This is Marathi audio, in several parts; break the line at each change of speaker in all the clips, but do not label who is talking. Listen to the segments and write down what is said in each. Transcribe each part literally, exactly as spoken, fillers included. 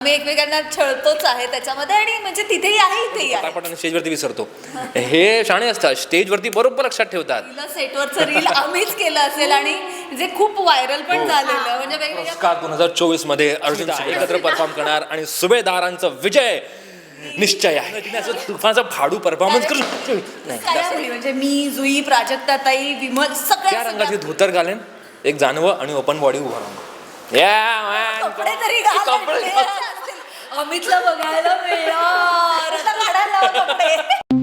आम्ही एकमेकांना छळतोच आहे त्याच्यामध्ये आणि म्हणजे तिथेही आहे इथेही आहे.
आपण स्टेजवरती विसरतो. हे शाणे असतात, स्टेजवरती बरोबर लक्षात ठेवतात.
सेटवरचं रील आम्हीच केलं असेल आणि जे खूप व्हायरल पण झालेलं म्हणजे वेगवेगळ्या
दोन हजार चोवीस मध्ये अर्जुन एकत्र परफॉर्म करणार आणि सुभेदारांचा विजय निश्चय आहे. तिने असं तुफानचा फाडू परफॉर्मन्स करू
नाही म्हणजे मी जुई प्राजक्ताताई विमल
त्या
सगळ्या
रंगाचे धोतर घालेन, एक जानवं आणि ओपन बॉडी उभा राहून
कपडे तरी घाल. अमितला बघायला मिळणार आता काढायला लावा कपडे.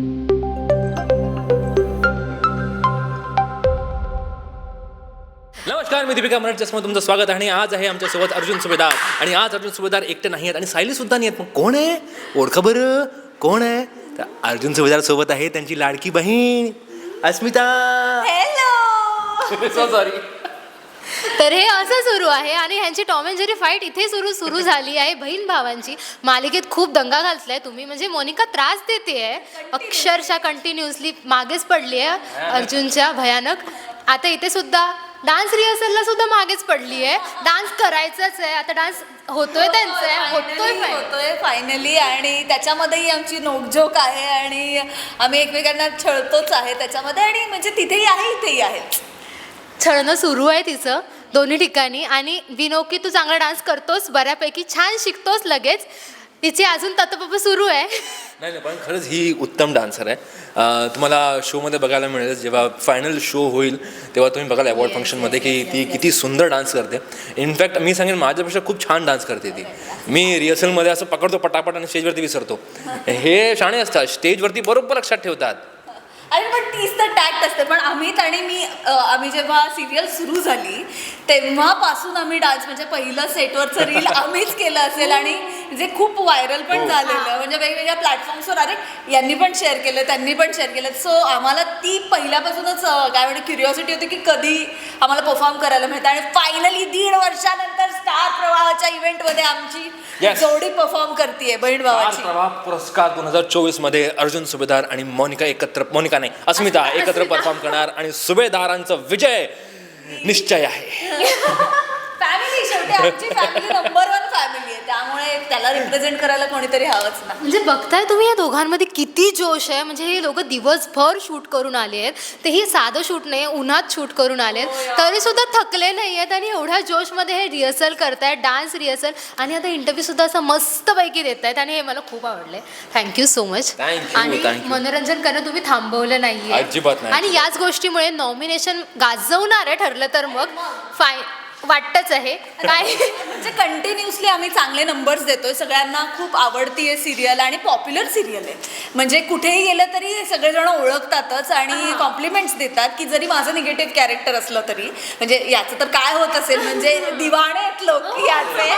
नमस्कार, मी दीपिका मराठी चष्मा तुमचं स्वागत आहे. आणि आज आहे आमच्यासोबत अर्जुन सुभेदार. आणि आज अर्जुन सुभेदार एकटे नाही आहेत आणि सायली सुद्धा नाही आहेत. मग कोण आहे? ओळखा बरं कोण आहे? तर अर्जुन सुभेदार सोबत आहे त्यांची लाडकी बहीण अस्मिता.
हॅलो.
So sorry.
तर हे असं सुरू आहे आणि ह्यांची टॉम अँड जेरी फाईट इथे सुरू सुरू झाली आहे. बहीण भावांची मालिकेत खूप दंगा घालतलाय तुम्ही. म्हणजे मोनिका त्रास देते आहे अक्षरशः कंटिन्युअसली, मागेच पडली आहे अर्जुनच्या भयानक. आता इथे सुद्धा डान्स रिहर्सलला सुद्धा मागेच पडली आहे. डान्स करायचाच आहे आता, डान्स होतोय त्यांचा होतोय
होतोय फायनली आणि त्याच्यामध्येही आमची नोकझोक आहे आणि आम्ही एकमेकांना छळतोच आहे त्याच्यामध्ये आणि म्हणजे तिथेही आहे इथेही आहे.
छळणं सुरू आहे तिचं दोन्ही ठिकाणी. आणि विनोकी तू चांगला डान्स करतोस, बऱ्यापैकी छान शिकतोस लगेच. तिची अजून तत्पप सुरू आहे.
नाही नाही पण खरंच ही उत्तम डान्सर आहे. तुम्हाला शोमध्ये बघायला मिळेल, जेव्हा फायनल शो होईल तेव्हा तुम्ही बघाल अवॉर्ड फंक्शनमध्ये की ती किती सुंदर डान्स करते. इनफॅक्ट मी सांगेन माझ्यापेक्षा खूप छान डान्स करते ती. मी रिहर्सलमध्ये असं पकडतो पटापट आणि स्टेजवरती विसरतो. हे शाणे असतात, स्टेजवरती बरोबर लक्षात ठेवतात.
आणि पण तीच तर टॅक्ट असते. पण अमित आणि मी आम्ही जेव्हा सिरियल सुरू झाली तेव्हापासून आम्ही डान्स म्हणजे पहिलं सेटवरचं रील आम्हीच केलं असेल आणि जे खूप व्हायरल पण झालेलं म्हणजे वेगवेगळ्या प्लॅटफॉर्म्सवर अरे यांनी पण शेअर केलं त्यांनी पण शेअर केलं. सो आम्हाला ती पहिल्यापासूनच काय म्हणजे क्युरिओसिटी होती की कधी आम्हाला परफॉर्म करायला मिळतं. आणि फायनली दीड वर्षानंतर स्टार प्रवाहाच्या इव्हेंटमध्ये आमची जोडी परफॉर्म करते बहीण भावाची.
प्रवाह पुरस्कार दोन हजार चोवीस मध्ये अर्जुन सुभेदार आणि मोनिका एकत्र मोनिका नाही अस्मिता एकत्र परफॉर्म करणार आणि सुभेदारांचा विजय निश्चय आहे.
फॅमिली शेवटी आमची फॅमिली नंबर वन फॅमिली आहे त्यामुळे त्याला रिप्रेझेंट करायला कोणीतरी हवंच ना.
म्हणजे बघताय तुम्ही या दोघांमध्ये किती जोश आहे. म्हणजे हे लोक दिवसभर शूट करून आले आहेत. ते ही साधं शूट नाही, उन्हात शूट करून आले आहेत तरी सुद्धा थकले नाही आहेत आणि एवढ्या जोशमध्ये हे रिहर्सल करतायत, डान्स रिहर्सल. आणि आता इंटरव्ह्यू सुद्धा असं मस्तपैकी देत आहेत आणि हे मला खूप आवडले. Thank you so much. आणि मनोरंजन करणं तुम्ही थांबवलं नाहीये
अजिबात नाही.
आणि याच गोष्टीमुळे नॉमिनेशन गाजवणार आहे ठरलं तर मग फाय वाटतच आहे काय.
म्हणजे कंटिन्युअसली आम्ही चांगले नंबर्स देतोय. सगळ्यांना खूप आवडती आहे सिरियल आणि पॉप्युलर सिरियल आहे. म्हणजे कुठेही गेलं तरी सगळेजण ओळखतातच आणि कॉम्प्लिमेंट्स देतात की जरी माझं निगेटिव्ह कॅरेक्टर असलं तरी. म्हणजे याचं तर काय होत असेल म्हणजे दिवाणे आहेत लोक याचे.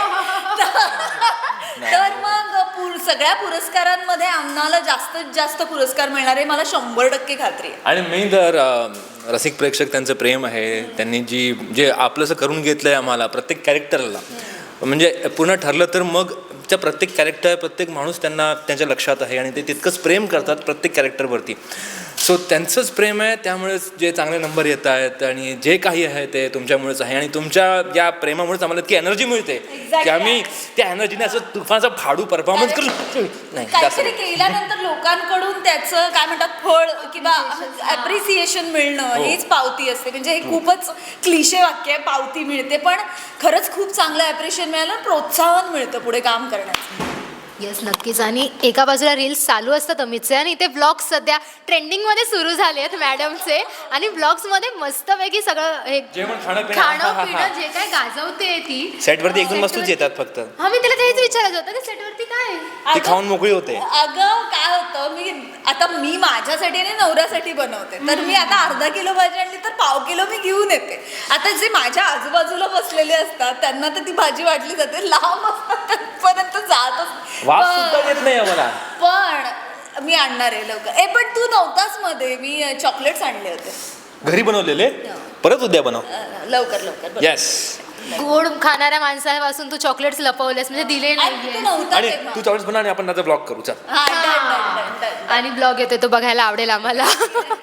तर मग पुर सगळ्या पुरस्कारांमध्ये आम्हाला जास्तीत जास्त पुरस्कार मिळणार आहे मला शंभर टक्के खात्री आहे.
आणि मी तर रसिक प्रेक्षक त्यांचं प्रेम आहे. त्यांनी जी जे आपलंसं करून घेतलंय आम्हाला प्रत्येक कॅरेक्टरला. म्हणजे पूर्ण ठरलं तर मग त्या प्रत्येक कॅरेक्टर प्रत्येक माणूस त्यांना त्यांच्या लक्षात आहे आणि ते तितकंच प्रेम करतात प्रत्येक कॅरेक्टरवरती. सो त्यांचंच प्रेम आहे त्यामुळेच जे चांगले नंबर येत आहेत आणि जे काही आहे ते तुमच्यामुळेच आहे. आणि तुमच्या या प्रेमामुळेच आम्हाला इतकी एनर्जी मिळते की आम्ही त्या एनर्जीने असं तुफानचा फाडू परफॉर्मन्स करू नाही.
काहीतरी केल्यानंतर लोकांकडून त्याचं काय म्हणतात फळ किंवा ॲप्रिसिएशन मिळणं हीच पावती असते. म्हणजे हे खूपच क्लिशे वाक्य आहे, पावती मिळते. पण खरंच खूप चांगलं ॲप्रिशिएशन मिळालं, प्रोत्साहन मिळतं पुढे काम करण्याचं.
येस नक्कीच. आणि एका बाजूला रील्स चालू असतात अमितचे आणि इथे ब्लॉग्स सध्या ट्रेंडिंगमध्ये सुरू झाले आहेत मॅडमचे. आणि ब्लॉग्समध्ये मस्तपैकी सगळं हे खाणं पिणं जे काय गाजवते ती
सेटवरती एकदम मस्तच येतात फक्त.
हा मी तिला तेच विचारायचं होतं की सेटवरती काय
ती खाऊन मोकळी होते.
अगं काय होतं मी आता मी माझ्यासाठी आणि नवऱ्यासाठी बनवते तर मी आता अर्धा किलो भाजी आणली तर पाव किलो मी घेऊन येते. आता जे माझ्या आजूबाजूला बसलेले असतात त्यांना तर ती भाजी वाटली जाते, लांब असतात पर्यंत जातच
वास सुद्धा येत नाही आम्हाला.
पण मी आणणार आहे लवकर. ए पण तू नव्हताच मध्ये, मी चॉकलेट्स आणले होते
घरी बनवलेले. परत उद्या बनव
लवकर लवकर.
येस.
गोड खाणाऱ्या माणसापासून तू चॉकलेट्स लपवलेस म्हणजे दिले नाहीये.
आणि तू चॉकलेट्स बनव आणि आपण त्याचा ब्लॉग करू. चल.
आणि ब्लॉग येतो तो बघायला आवडेल आम्हाला.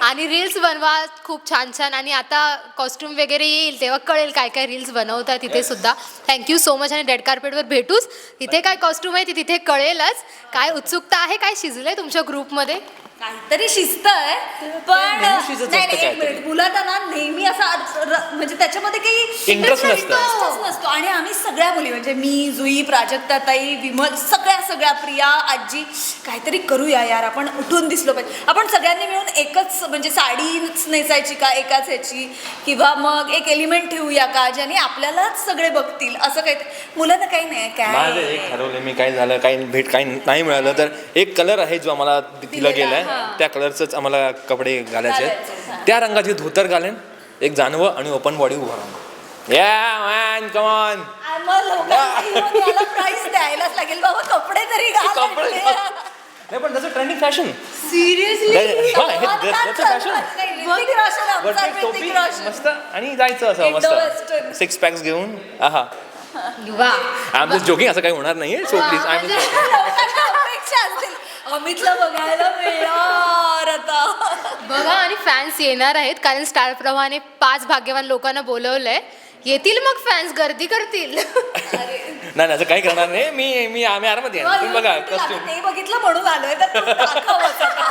आणि रील्स बनवा खूप छान छान. आणि आता कॉस्ट्युम वगैरे येईल तेव्हा कळेल काय काय रील्स बनवतात तिथे सुद्धा. Thank you so much. आणि रेड कार्पेटवर भेटूच. तिथे काय कॉस्ट्युम आहे ती तिथे कळेलच. काय उत्सुकता आहे, काय शिजलंय तुमच्या ग्रुपमध्ये?
काहीतरी शिस्त आहे पण
नेहमी शिजत
नाही
असतं
नाही एक
काहीतरी.
मिनिट मुलांना ना नेहमी असा अर्थ- र- म्हणजे त्याच्यामध्ये काही
Interest नसतं.
Interest नसतो. आणि आम्ही सगळ्या मुली म्हणजे मी जुई प्राजक्ता ताई विमल सगळ्या सगळ्या प्रिया आजी काहीतरी करूया यार आपण उठून दिसलो पाहिजे. आपण सगळ्यांनी मिळून एकच म्हणजे साडीच नेसायची का एकाच ह्याची किंवा मग एक एलिमेंट ठेवूया का ज्याने आपल्यालाच सगळे बघतील असं काही मुलांना काही नाही
माझं
काय
एक ठरवलं मी काय झालं काही भेट काही नाही मिळालं तर एक कलर आहे जो आम्हाला दिला
दिलेला,
गेलाय
हां.
त्या कलरचंच आम्हाला कपडे घालायचे
घालायचे,
आहेत.
हां.
त्या रंगाचे धोतर घालेन एक जानवं आणि ओपन बॉडी उभा राहून या मॅन कमॉन
मग लोकांना येऊन याला प्राईस द्यायलाच लागेल बाबा कपडे तरी घाल
कपडे
म्हटले.
नाही पण त्याचं ट्रेंडिंग फॅशन
Siseriously?
हा, हे-
कमाल
that's- that's a
का
fashion.
चाललंय? ऋतिक रोशन, आमचा
टोपी
ऋतिक रोशन.
मस्त आणि जायचं असं
Indo-western.
मस्त सिक्स पॅक्स घेऊन आहा
वा.
आय एम जस्ट जोकिंग असं काही होणार नाहीये सो प्लीज आय
म्हणजे-
लोकांना अपेक्षा असतील अमितला बघायला मिळणार आता
बघा आणि फॅन्स येणार आहेत कारण स्टार प्रवाहाने पाच भाग्यवान लोकांना बोलवलंय. येतील मग फॅन्स गर्दी करतील.
नाही नाही, असं काही करणार नाही मी मी आम्ही आरामात येणार तुम्ही बघा
YouTube ला
कॉस्ट्युम
ते बघितलं म्हणून आलोय तर तू दाखवच आता.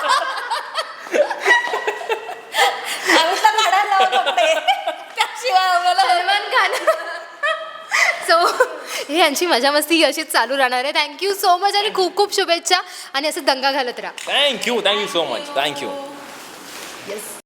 अमितला काढायला लावा कपडे त्याशिवाय आम्हाला
सलमान खान. सो ही यांची मजा मस्ती अशीच चालू राहणार आहे. थँक्यू सो मच आणि खूप खूप शुभेच्छा आणि असं दंगा घालत राहा.
Thank you thank you so much thank you